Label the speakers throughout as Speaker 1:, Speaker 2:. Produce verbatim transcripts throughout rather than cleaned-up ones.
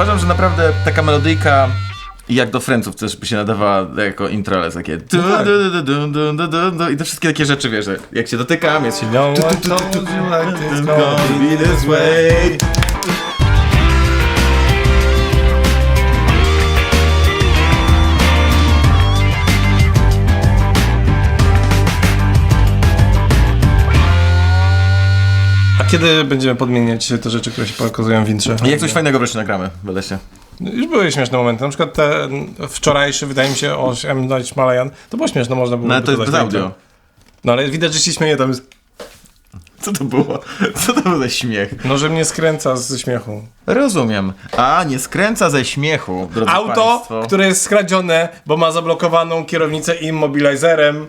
Speaker 1: Uważam, że naprawdę taka melodyjka jak do Friendsów też by się nadawała jako intro, ale takie du,
Speaker 2: tak.
Speaker 1: du, du, du, du, du, du, du, i te wszystkie takie rzeczy, wiesz, jak się dotykam, jest się
Speaker 2: No one told you like this gonna be this way. A kiedy będziemy podmieniać te rzeczy, które się pokazują w intrze?
Speaker 1: Jak coś fajnego wreszcie nagramy, będę się.
Speaker 2: Już były śmieszne momenty, na przykład ten wczorajszy, wydaje mi się, o M. Night Shyamalan, to było śmieszne, można było
Speaker 1: No ale to jest
Speaker 2: dodać
Speaker 1: bez
Speaker 2: na intro.
Speaker 1: audio.
Speaker 2: No ale widać, że się śmieje, tam jest,
Speaker 1: Co to było? Co to był za śmiech?
Speaker 2: no że mnie skręca ze śmiechu.
Speaker 1: Rozumiem. A, nie skręca ze śmiechu, drodzy
Speaker 2: Auto,
Speaker 1: państwo.
Speaker 2: które jest skradzione, bo ma zablokowaną kierownicę immobilizerem.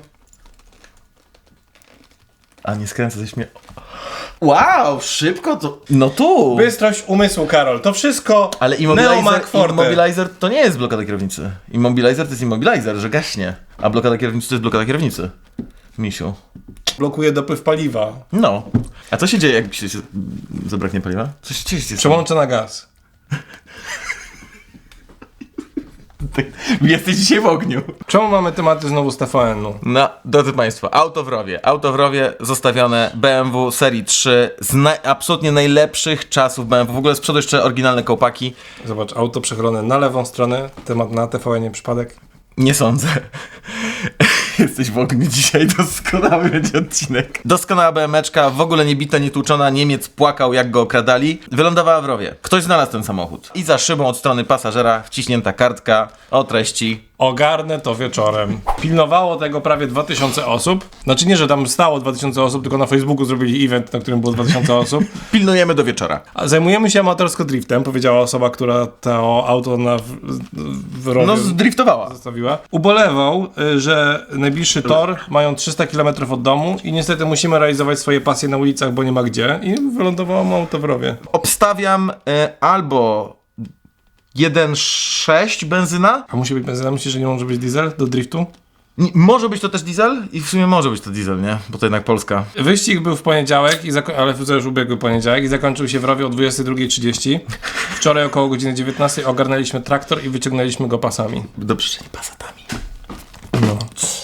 Speaker 1: A, nie skręca ze śmiechu. Wow, szybko to... No tu!
Speaker 2: Bystrość umysłu, Karol, to wszystko
Speaker 1: Ale
Speaker 2: Neo
Speaker 1: immobilizer,
Speaker 2: Mac Forte.
Speaker 1: immobilizer to nie jest blokada kierownicy. Immobilizer to jest immobilizer, że gaśnie. A blokada kierownicy to jest blokada kierownicy. Misiu.
Speaker 2: blokuje dopływ paliwa.
Speaker 1: No. A co się dzieje, jak się, się zabraknie paliwa? Co się dzieje?
Speaker 2: Przełączę na gaz.
Speaker 1: Jesteś dzisiaj w ogniu.
Speaker 2: Czemu mamy tematy znowu z T V N-u?
Speaker 1: No, drodzy państwo, auto w rowie. Auto w rowie zostawione B M W serii trzy z naj, absolutnie najlepszych czasów B M W. W ogóle z przodu jeszcze oryginalne kołpaki.
Speaker 2: Zobacz, auto przechylone na lewą stronę, temat na T V N-ie przypadek.
Speaker 1: Nie sądzę. Jesteś w ogniu dzisiaj, doskonały będzie odcinek. Doskonała B M W-czka, w ogóle nie bita, nie tłuczona, Niemiec płakał jak go okradali. Wylądowała w rowie. Ktoś znalazł ten samochód. I za szybą od strony pasażera wciśnięta kartka o treści.
Speaker 2: Ogarnę to wieczorem. Pilnowało tego prawie dwa tysiące osób. Znaczy nie, że tam stało dwa tysiące osób, tylko na Facebooku zrobili event, na którym było dwa tysiące osób.
Speaker 1: Pilnujemy do wieczora.
Speaker 2: A zajmujemy się amatorsko driftem, powiedziała osoba, która to auto na w, w rowie
Speaker 1: No, zdriftowała.
Speaker 2: zostawiła. Ubolewał, y, że najbliższy tor mają trzysta kilometrów od domu i niestety musimy realizować swoje pasje na ulicach, bo nie ma gdzie. I wylądowało mu auto w rowie.
Speaker 1: Obstawiam e, albo jeden przecinek sześć benzyna.
Speaker 2: A musi być benzyna? Myślisz, że nie może być diesel do driftu?
Speaker 1: Nie, może być to też diesel? I w sumie może być to diesel, nie? Bo to jednak Polska.
Speaker 2: Wyścig był w poniedziałek, i zako- ale to już ubiegły poniedziałek i zakończył się w rowie o dwudziestej drugiej trzydzieści. Wczoraj około godziny dziewiętnastej ogarnęliśmy traktor i wyciągnęliśmy go pasami.
Speaker 1: Dobrze, że nie pasatami.
Speaker 2: No.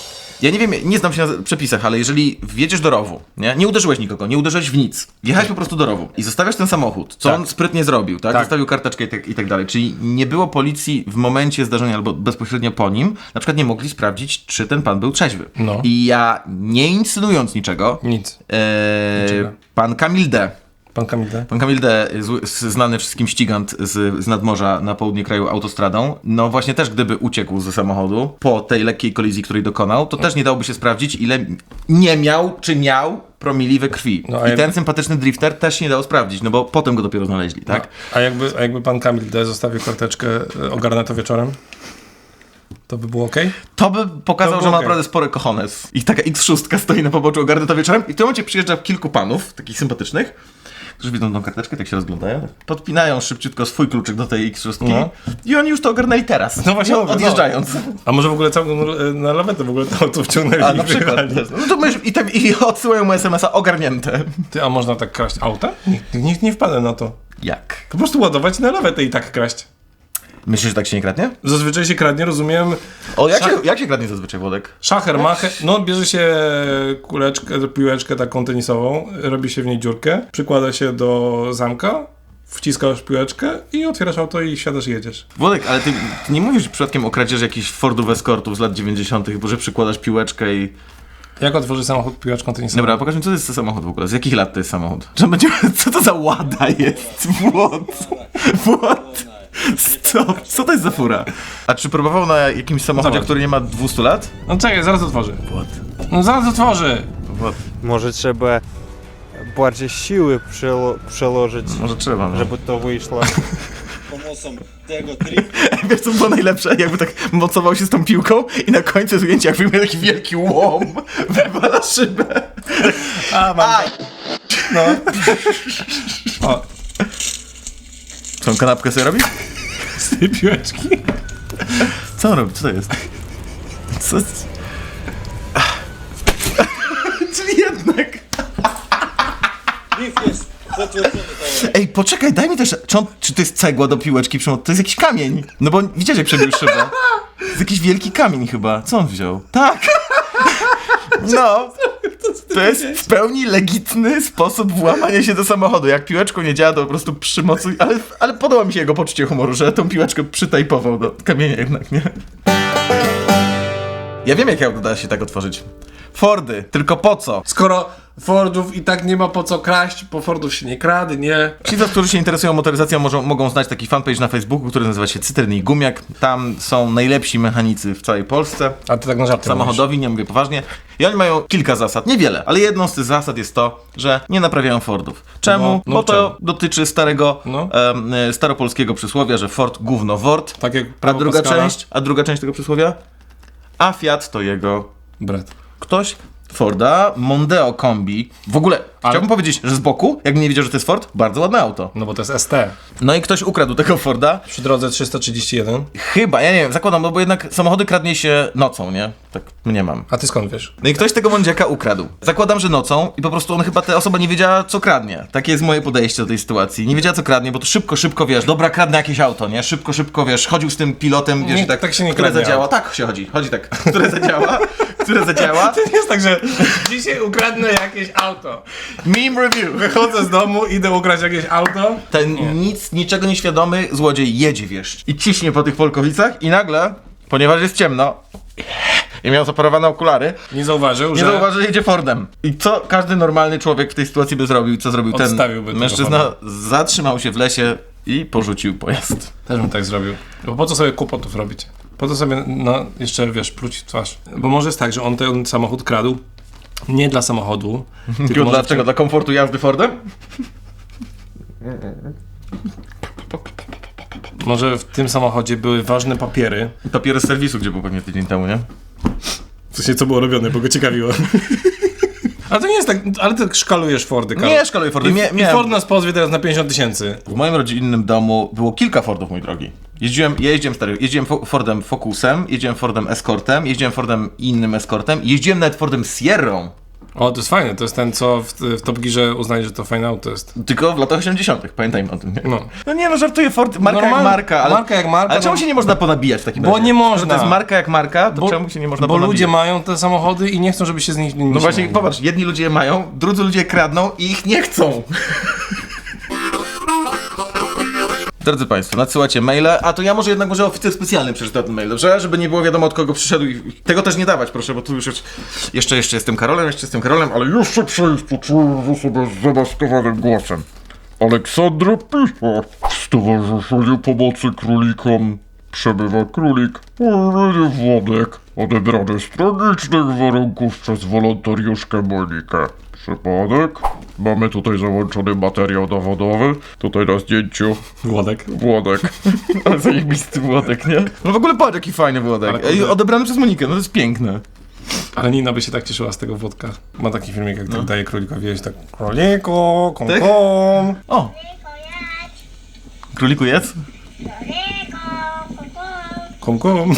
Speaker 1: Ja nie wiem, nie znam się na przepisach, ale jeżeli wjedziesz do rowu, nie? Nie uderzyłeś nikogo, nie uderzyłeś w nic. Wjechałeś po prostu do rowu i zostawiasz ten samochód, co
Speaker 2: Tak.
Speaker 1: on sprytnie zrobił, tak?
Speaker 2: Tak.
Speaker 1: Zostawił karteczkę i tak, i tak dalej. Czyli nie było policji w momencie zdarzenia albo bezpośrednio po nim, na przykład nie mogli sprawdzić, czy ten pan był trzeźwy.
Speaker 2: No.
Speaker 1: I ja, nie insynując niczego,
Speaker 2: Nic.
Speaker 1: e,
Speaker 2: Niczego.
Speaker 1: pan Kamil D.,
Speaker 2: Pan Kamil D.
Speaker 1: Pan Kamil D., zły- z- znany wszystkim ścigant z, z nadmorza na południe kraju autostradą, no właśnie też gdyby uciekł ze samochodu po tej lekkiej kolizji, której dokonał, to też nie dałoby się sprawdzić, ile nie miał czy miał promili we krwi.
Speaker 2: No, a
Speaker 1: I
Speaker 2: jak-
Speaker 1: ten sympatyczny drifter też się nie dało sprawdzić, no bo potem go dopiero znaleźli, tak?
Speaker 2: A jakby, a jakby pan Kamil D. zostawił karteczkę, e, ogarnę to wieczorem? To by było okej?
Speaker 1: To by pokazał,
Speaker 2: To
Speaker 1: że ma
Speaker 2: okej.
Speaker 1: naprawdę spory kochones. I taka X sześć stoi na poboczu, ogarnę to wieczorem i w tym momencie przyjeżdża kilku panów, takich sympatycznych, którzy widzą tą karteczkę, tak się rozglądają, podpinają szybciutko swój kluczyk do tej X sześć
Speaker 2: No.
Speaker 1: i oni już to ogarnęli teraz,
Speaker 2: No właśnie
Speaker 1: no,
Speaker 2: mówię, no.
Speaker 1: odjeżdżając.
Speaker 2: A może w ogóle całą e, na lawetę w ogóle to auto wciągnęli
Speaker 1: A
Speaker 2: i
Speaker 1: na przykład
Speaker 2: wyjechali?
Speaker 1: też. No to myśl, i, tak, i odsyłają mu es em es a ogarnięte.
Speaker 2: Ty, a można tak kraść auta? Nikt, nikt nie wpadł na to.
Speaker 1: Jak?
Speaker 2: Po prostu ładować na lawetę i tak kraść.
Speaker 1: Myślisz, że tak się nie kradnie?
Speaker 2: Zazwyczaj się kradnie, rozumiem,
Speaker 1: O, jak,
Speaker 2: Szach-
Speaker 1: się, jak się kradnie zazwyczaj, Włodek?
Speaker 2: szacher, macher, no bierze się kuleczkę, piłeczkę taką tenisową, robi się w niej dziurkę, przykłada się do zamka, wciskasz piłeczkę i otwierasz auto i siadasz i jedziesz.
Speaker 1: Włodek, ale ty, ty nie mówisz przypadkiem o kradzieży jakichś Fordów Escortów z lat dziewięćdziesiątych, bo że przykładasz piłeczkę i...
Speaker 2: Jak otworzy samochód piłeczką tenisową?
Speaker 1: Dobra, pokaż mi, co to jest za samochód w ogóle? Z jakich lat to jest samochód? Że będzie... Co to za łada jest? Włod. Włod. Stop. Co to jest za fura? A czy próbował na jakimś samochodzie,
Speaker 2: Zobacz.
Speaker 1: który nie ma dwieście lat?
Speaker 2: No czekaj, zaraz otworzy.
Speaker 1: Włod.
Speaker 2: No zaraz otworzy!
Speaker 1: Włod.
Speaker 3: Może trzeba bardziej siły przelo- przełożyć,
Speaker 1: Może trzeba, no.
Speaker 3: żeby to wyszło.
Speaker 4: pomocą tego triku.
Speaker 1: Wiesz co było najlepsze? Jakby tak mocował się z tą piłką i na końcu zdjęcia jak wyjmuje taki wielki łom, wywala szybę.
Speaker 2: A, mam.
Speaker 1: Aj!
Speaker 2: No. O,
Speaker 1: Co on kanapkę sobie robi?
Speaker 2: z tej piłeczki.
Speaker 1: Co on robi? Co to jest? Co? Czyli jednak...
Speaker 4: Drift jest potwierdzony.
Speaker 1: Ej, poczekaj, daj mi też... czy, on, czy to jest cegła do piłeczki Przemo? To jest jakiś kamień. No bo widziałeś jak przebił szybę. To jest jakiś wielki kamień chyba. Co on wziął? Tak. No. To jest w pełni legitny sposób włamania się do samochodu. Jak piłeczką nie działa, to po prostu przymocuj. Ale, ale podoba mi się jego poczucie humoru, że tą piłeczkę przytajpował do kamienia jednak, nie? Ja wiem, jak auto da się tak otworzyć. Fordy, tylko po co?
Speaker 2: Skoro Fordów i tak nie ma po co kraść, po Fordów się nie kradnie.
Speaker 1: Ci, którzy się interesują motoryzacją, mogą, mogą znać taki fanpage na Facebooku, który nazywa się Cytryn i Gumiak. Tam są najlepsi mechanicy w całej Polsce.
Speaker 2: A ty tak na żarty
Speaker 1: Samochodowi, nie mówię poważnie. I oni mają kilka zasad, niewiele, ale jedną z tych zasad jest to, że nie naprawiają Fordów. Czemu?
Speaker 2: No, no
Speaker 1: Bo to
Speaker 2: czemu?
Speaker 1: dotyczy starego,
Speaker 2: No.
Speaker 1: em, e, staropolskiego przysłowia, że Ford gówno wort.
Speaker 2: Tak jak
Speaker 1: A
Speaker 2: Paweł
Speaker 1: druga
Speaker 2: Pascala.
Speaker 1: część, a druga część tego przysłowia? A Fiat to jego
Speaker 2: Brat.
Speaker 1: ktoś Forda Mondeo Kombi. W ogóle
Speaker 2: Ale-
Speaker 1: chciałbym powiedzieć, że z boku, jakbym nie wiedział, że to jest Ford, bardzo ładne auto.
Speaker 2: No bo to jest S T.
Speaker 1: No i ktoś ukradł tego Forda.
Speaker 2: Przy drodze trzysta trzydzieści jeden.
Speaker 1: Chyba, ja nie wiem, zakładam, no bo jednak samochody kradnie się nocą, nie? Tak nie mam.
Speaker 2: A ty skąd wiesz?
Speaker 1: No i ktoś tego Mondziaka ukradł. Zakładam, że nocą i po prostu on chyba, ta osoba nie wiedziała, co kradnie. Takie jest moje podejście do tej sytuacji. Nie wiedziała, co kradnie, bo to szybko, szybko, wiesz, dobra, kradnę jakieś auto, nie? Szybko, szybko, wiesz, chodził z tym pilotem, wiesz,
Speaker 2: Nie,
Speaker 1: i tak,
Speaker 2: tak się nie
Speaker 1: które
Speaker 2: kradnie
Speaker 1: zadziała.
Speaker 2: auto.
Speaker 1: Tak się chodzi, chodzi tak, które zadziała, które zadziała.
Speaker 2: To nie jest tak, że dzisiaj ukradnę jakieś auto.
Speaker 1: Meme review.
Speaker 2: Wychodzę z domu, idę ukraść jakieś auto.
Speaker 1: Ten nic, niczego nieświadomy złodziej jedzie, wiesz, i ciśnie po tych Polkowicach i nagle, ponieważ jest ciemno i miał zaparowane okulary,
Speaker 2: Nie zauważył,
Speaker 1: nie
Speaker 2: że...
Speaker 1: zauważy, że jedzie Fordem. I co każdy normalny człowiek w tej sytuacji by zrobił? Co zrobił ten
Speaker 2: Odstawiłby tego
Speaker 1: mężczyzna?
Speaker 2: Forda.
Speaker 1: Zatrzymał się w lesie i porzucił pojazd.
Speaker 2: Też bym tak zrobił. Bo po co sobie kłopotów robić? Po co sobie, no, jeszcze, wiesz, pluć w twarz. Bo może jest tak, że on ten samochód kradł nie dla samochodu, tylko
Speaker 1: Tylko
Speaker 2: może
Speaker 1: dlaczego? Dla komfortu jazdy Fordem?
Speaker 2: Może w tym samochodzie były ważne papiery.
Speaker 1: Papiery z serwisu, gdzie był pewnie tydzień temu, nie?
Speaker 2: W sensie, co było robione, bo go ciekawiło. Ale to nie jest tak, ale ty szkalujesz Fordy, Karol.
Speaker 1: Nie szkaluję Fordem.
Speaker 2: I,
Speaker 1: Mia-
Speaker 2: I
Speaker 1: miałem-
Speaker 2: Ford nas pozwie teraz na pięćdziesiąt tysięcy.
Speaker 1: W moim rodzinnym domu było kilka Fordów, mój drogi. Jeździłem, ja jeździłem stary, jeździłem Fo- Fordem Focusem, jeździłem Fordem Escortem, jeździłem Fordem innym Escortem, jeździłem nawet Fordem Sierrą.
Speaker 2: O, to jest fajne, to jest ten, co w, w Top Gearze uznaje, że to fajne auto jest.
Speaker 1: Tylko w latach osiemdziesiątych, pamiętajmy o tym. Nie?
Speaker 2: No.
Speaker 1: No nie no, żartuję, Ford, marka
Speaker 2: Normalnie-
Speaker 1: jak marka, ale...
Speaker 2: marka jak marka,
Speaker 1: Ale czemu
Speaker 2: no-
Speaker 1: się nie można ponabijać w takim
Speaker 2: Bo
Speaker 1: razie?
Speaker 2: nie można.
Speaker 1: Że to jest marka jak marka, to
Speaker 2: Bo-
Speaker 1: czemu się nie można
Speaker 2: Bo
Speaker 1: ponabijać?
Speaker 2: ludzie mają te samochody i nie chcą, żeby się z nich nie
Speaker 1: No właśnie, popatrz, jedni ludzie je mają, drudzy ludzie kradną i ich nie chcą. Drodzy Państwo, nadsyłacie maile, a to ja może jednak może oficer specjalny przeczyta ten mail, dobrze? Żeby nie było wiadomo od kogo przyszedł i tego też nie dawać, proszę, bo tu już jest... Jeszcze, jeszcze jestem Karolem, jeszcze jestem Karolem, ale jeszcze przejść poczułem sobie z zamaskowanym głosem. Aleksandra pisze, w Stowarzyszeniu Pomocy Królikom przebywa królik o imieniu Włodek, odebrany z tragicznych warunków przez wolontariuszkę Monikę. Przypadek? Mamy tutaj załączony materiał dowodowy. Tutaj na zdjęciu
Speaker 2: Włodek.
Speaker 1: Włodek. Ale zajebisty Włodek, nie? No w ogóle patrz, jaki fajny Włodek.
Speaker 2: Ale
Speaker 1: Ej,
Speaker 2: kurde.
Speaker 1: odebrany przez Monikę, no to jest piękne.
Speaker 2: Ale Nina by się tak cieszyła z tego Włodka. Ma taki filmik, jak tak daje królikowi jeść, tak króliku, kom,
Speaker 1: Tak?
Speaker 2: kom.
Speaker 1: O! Króliku jedz?
Speaker 2: Kom, kom.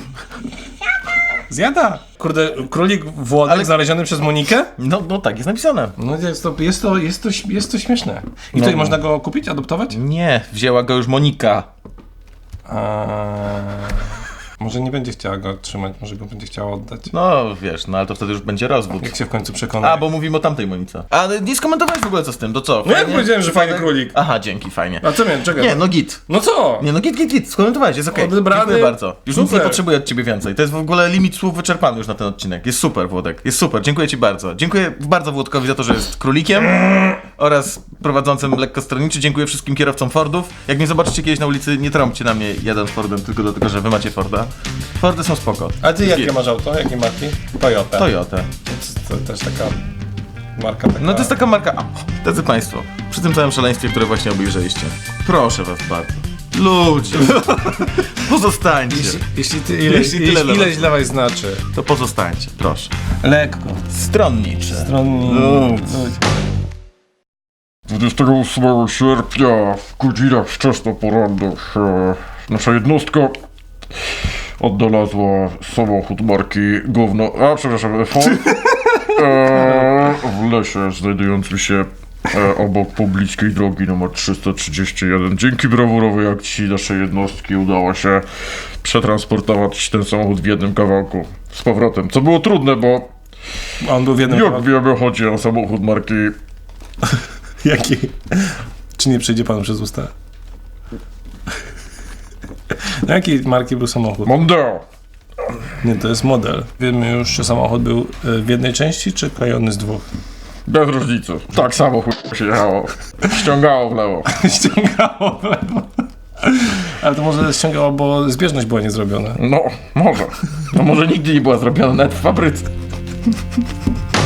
Speaker 2: Zjada. Kurde, królik Włodek
Speaker 1: Ale-
Speaker 2: znaleziony przez Monikę?
Speaker 1: No, no tak jest napisane.
Speaker 2: No jest to, jest to, jest to, jest to śmieszne. I tutaj
Speaker 1: No.
Speaker 2: można go kupić, adoptować?
Speaker 1: Nie, wzięła go już Monika.
Speaker 2: A... Może nie będzie chciała go trzymać, może go będzie chciała oddać.
Speaker 1: No wiesz, no ale to wtedy już będzie rozwód.
Speaker 2: Jak się w końcu przekona.
Speaker 1: A, bo mówimy o tamtej Monice. A nie skomentowałeś w ogóle co z tym, to co?
Speaker 2: No jak
Speaker 1: Fajnie?
Speaker 2: powiedziałem, że fajny królik.
Speaker 1: Aha, dzięki, fajnie.
Speaker 2: A co miałem, czekaj.
Speaker 1: Nie, no git.
Speaker 2: No co?
Speaker 1: Nie, no git, git, git, skomentowałeś, jest okej.
Speaker 2: Odebrany.
Speaker 1: Dziękuję bardzo. Już nic nie
Speaker 2: Super.
Speaker 1: potrzebuję od ciebie więcej. To jest w ogóle limit słów wyczerpany już na ten odcinek. Jest super, Włodek. Jest super, dziękuję ci bardzo. Dziękuję bardzo Włodkowi za to, że jest królikiem oraz prowadzącym lekko stronniczy. Dziękuję wszystkim kierowcom Fordów. Jak mnie zobaczycie kiedyś na ulicy, nie trąbcie na mnie jeden Fordem, tylko dlatego, że wy macie Forda. Fordy są spoko.
Speaker 2: A ty jakie
Speaker 1: Git.
Speaker 2: masz auto? Jakie marki? Toyota.
Speaker 1: Toyota.
Speaker 2: To, to też taka marka taka...
Speaker 1: No to jest taka marka. A, drodzy Państwo, przy tym całym szaleństwie, które właśnie obejrzeliście, proszę was bardzo. Ludzie, pozostańcie.
Speaker 2: Jeśli, jeśli ty ileś,
Speaker 1: Jeśli tyle
Speaker 2: jeśli
Speaker 1: dla
Speaker 2: ileś
Speaker 1: was.
Speaker 2: dla was znaczy.
Speaker 1: To pozostańcie, proszę.
Speaker 2: Lekko.
Speaker 1: Stronnicze.
Speaker 2: Stronni...
Speaker 1: Ludź.
Speaker 5: dwudziestego ósmego sierpnia w godzinach wczesnoporannych e, nasza jednostka odnalazła samochód marki Gówno... A, przepraszam, Ford e, w lesie znajdującym się e, obok poblickiej drogi numer trzysta trzydzieści jeden. Dzięki brawurowej akcji naszej jednostki udało się przetransportować ten samochód w jednym kawałku z powrotem. Co było trudne, bo
Speaker 2: On był w jednym
Speaker 5: jak
Speaker 2: kawałku.
Speaker 5: wiemy, chodzi o samochód marki...
Speaker 2: Jaki? Czy nie przejdzie panu przez usta? No jakiej marki był samochód?
Speaker 5: Mondeo.
Speaker 2: Nie, to jest model. Wiemy już, czy samochód był y, w jednej części, czy klejony z dwóch.
Speaker 5: Bez różnicy. Tak samo chuj się jechało. Ściągało w lewo.
Speaker 2: Ściągało w lewo. Ale to może ściągało, bo zbieżność była niezrobiona.
Speaker 5: No, może. No może nigdy nie była zrobiona nawet w fabryce.